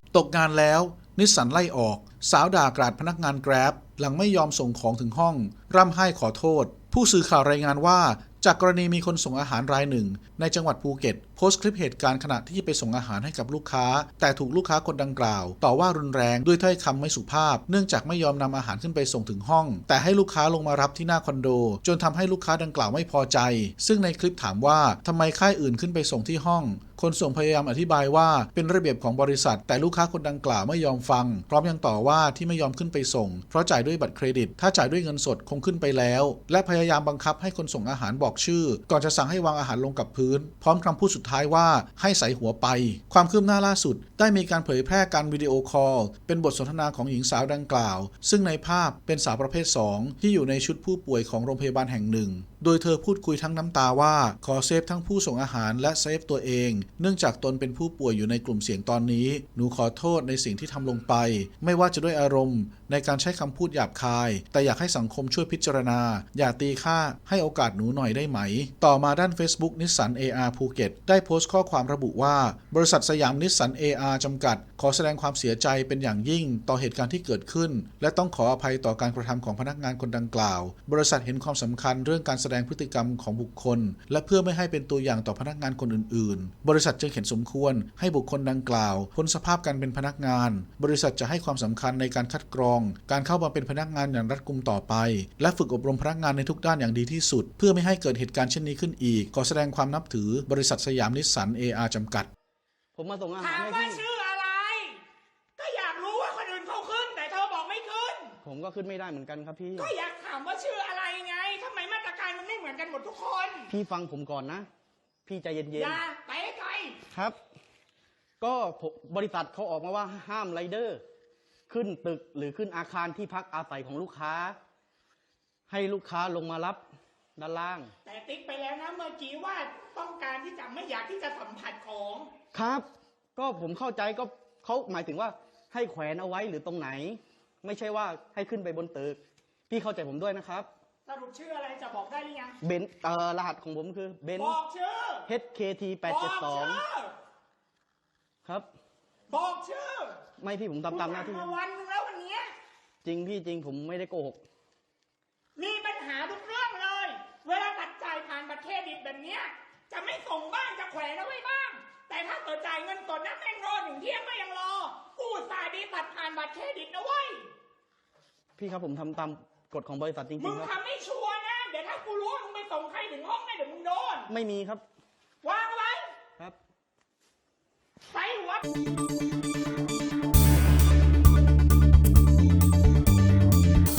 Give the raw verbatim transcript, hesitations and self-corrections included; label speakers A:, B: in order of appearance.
A: ตกงานแล้วนิสสันไล่ออกสาวด่ากราดพนักงานแกร็บหลังไม่ยอมส่งของถึงห้องร่ำไห้ขอโทษผู้สื่อข่าวรายงานว่าจากกรณีมีคนส่งอาหารรายหนึ่งในจังหวัดภูเก็ตโพสต์คลิปเหตุการณ์ขณะที่ไปส่งอาหารให้กับลูกค้าแต่ถูกลูกค้าคนดังกล่าวต่อว่ารุนแรงด้วยถ้อยคำไม่สุภาพเนื่องจากไม่ยอมนำอาหารขึ้นไปส่งถึงห้องแต่ให้ลูกค้าลงมารับที่หน้าคอนโดจนทำให้ลูกค้าดังกล่าวไม่พอใจซึ่งในคลิปถามว่าทำไมค่ายอื่นขึ้นไปส่งที่ห้องคนส่งพยายามอธิบายว่าเป็นระเบียบของบริษัทแต่ลูกค้าคนดังกล่าวไม่ยอมฟังพร้อมยังต่อว่าที่ไม่ยอมขึ้นไปส่งเพราะจ่ายด้วยบัตรเครดิตถ้าจ่ายด้วยเงินสดคงขึ้นไปแล้วและพยายามบังคับให้คนส่งอาหารบอกชื่อก่อนจะสั่งให้วางอาหารลงกับพื้นพร้อมคำพูดสุดท้ายว่าให้ใส่หัวไปความคืบหน้าล่าสุดได้มีการเผยแพร่การวิดีโอคอลเป็นบทสนทนาของหญิงสาวดังกล่าวซึ่งในภาพเป็นสาวประเภทสองที่อยู่ในชุดผู้ป่วยของโรงพยาบาลแห่งหนึ่งโดยเธอพูดคุยทั้งน้ำตาว่าขอเซฟทั้งผู้ส่งอาหารและเซฟตัวเองเนื่องจากตนเป็นผู้ป่วยอยู่ในกลุ่มเสี่ยงตอนนี้หนูขอโทษในสิ่งที่ทำลงไปไม่ว่าจะด้วยอารมณ์ในการใช้คำพูดหยาบคายแต่อยากให้สังคมช่วยพิจารณาอย่าตีค่าให้โอกาสหนูหน่อยได้ไหมต่อมาด้าน Facebook นิสสัน เอ อาร์ ภูเก็ตได้โพสต์ข้อความระบุว่าบริษัทสยามนิสสัน เอ อาร์ จำกัดขอแสดงความเสียใจเป็นอย่างยิ่งต่อเหตุการณ์ที่เกิดขึ้นและต้องขออภัยต่อการกระทำของพนักงานคนดังกล่าวบริษัทเห็นความสำคัญเรื่องการแสดงพฤติกรรมของบุคคลและเพื่อไม่ให้เป็นตัวอย่างต่อพนักงานคนอื่นๆบริษัทจึงเห็นสมควรให้บุคคลดังกล่าวพ้นสภาพการเป็นพนักงานบริษัทจะให้ความสำคัญในการคัดกรองการเข้ามาเป็นพนักงานอย่างรัดกุมต่อไปและฝึกอบรมพนักงานในทุกด้านอย่างดีที่สุดเพื่อไม่ให้เกิดเหตุการณ์เช่นนี้ขึ้นอีกขอแสดงความนับถือบริษัทสยามนิสสัน เอ อาร์ จำกัด
B: ผมมาส่งอาหาร
C: ถาม
B: ให้พี่
C: ว่าชื่ออะไรก็อยากรู้ว่าคนอื่นเขาขึ้นแต่เธอบอกไม่ขึ้น
B: ผมก็ขึ้นไม่ได้เหมือนกันครับพี่
C: ก็อยากถามว่าชื่ออะไรไงทำไมมาตรการมันไม่เหมือนกันหมดทุกคน
B: พี่ฟังผมก่อนนะพี่ใจเย็นๆ
C: อย่าไปไกล
B: ครับก็บริษัทเขาออกมาว่าห้ามไรเดอร์ขึ้นตึกหรือขึ้นอาคารที่พักอาศัยของลูกค้าให้ลูกค้าลงมารับด้านล่าง
C: แต่ติ๊กไปแล้วนะเมื่อกี้ว่าต้องการที่จะไม่อยากที่จะสัมผัสของ
B: ครับก็ผมเข้าใจก็เขาหมายถึงว่าให้แขวนเอาไว้หรือตรงไหนไม่ใช่ว่าให้ขึ้นไปบนตึกพี่เข้าใจผมด้วยนะครับ
C: สรุปชื่ออะไรจะบอกได้หรือยัง
B: เบนเอ่อรหัสของผมคือเบน
C: บอกชื่อ
B: เอช เค ที แปดเจ็ดสองครับ
C: บอกชื่อ
B: ไม่พี่ผมทำตามหน้าที่
C: มาวันนึงแล้ววันนี้
B: จริงพี่จริงผมไม่ได้โกหก
C: มีปัญหาทุกเรื่องเลยเวลาตัดจ่ายผ่านบัตรเครดิตแบบนี้จะไม่ส่งบ้างจะแขวนเอาไว้บ้างแต่ถ้าเกิดจ่ายเงินสดนะแม่งรอถึงเที่ยงก็ยังรอกูสายดีตัดผ่านบัตรเครดิตนะเว้ย
B: พี่ครับผมทำตามกฎของบริษัทจริงๆครับมึ
C: งทำไม่ชัวร์นะเดี๋ยวถ้ากูรู้มึงไปส่งใครถึงห้องนะเดี๋ยวมึงโดน
B: ไม่มีครับ
C: วางไว้
B: ครับ
C: ใส่หัว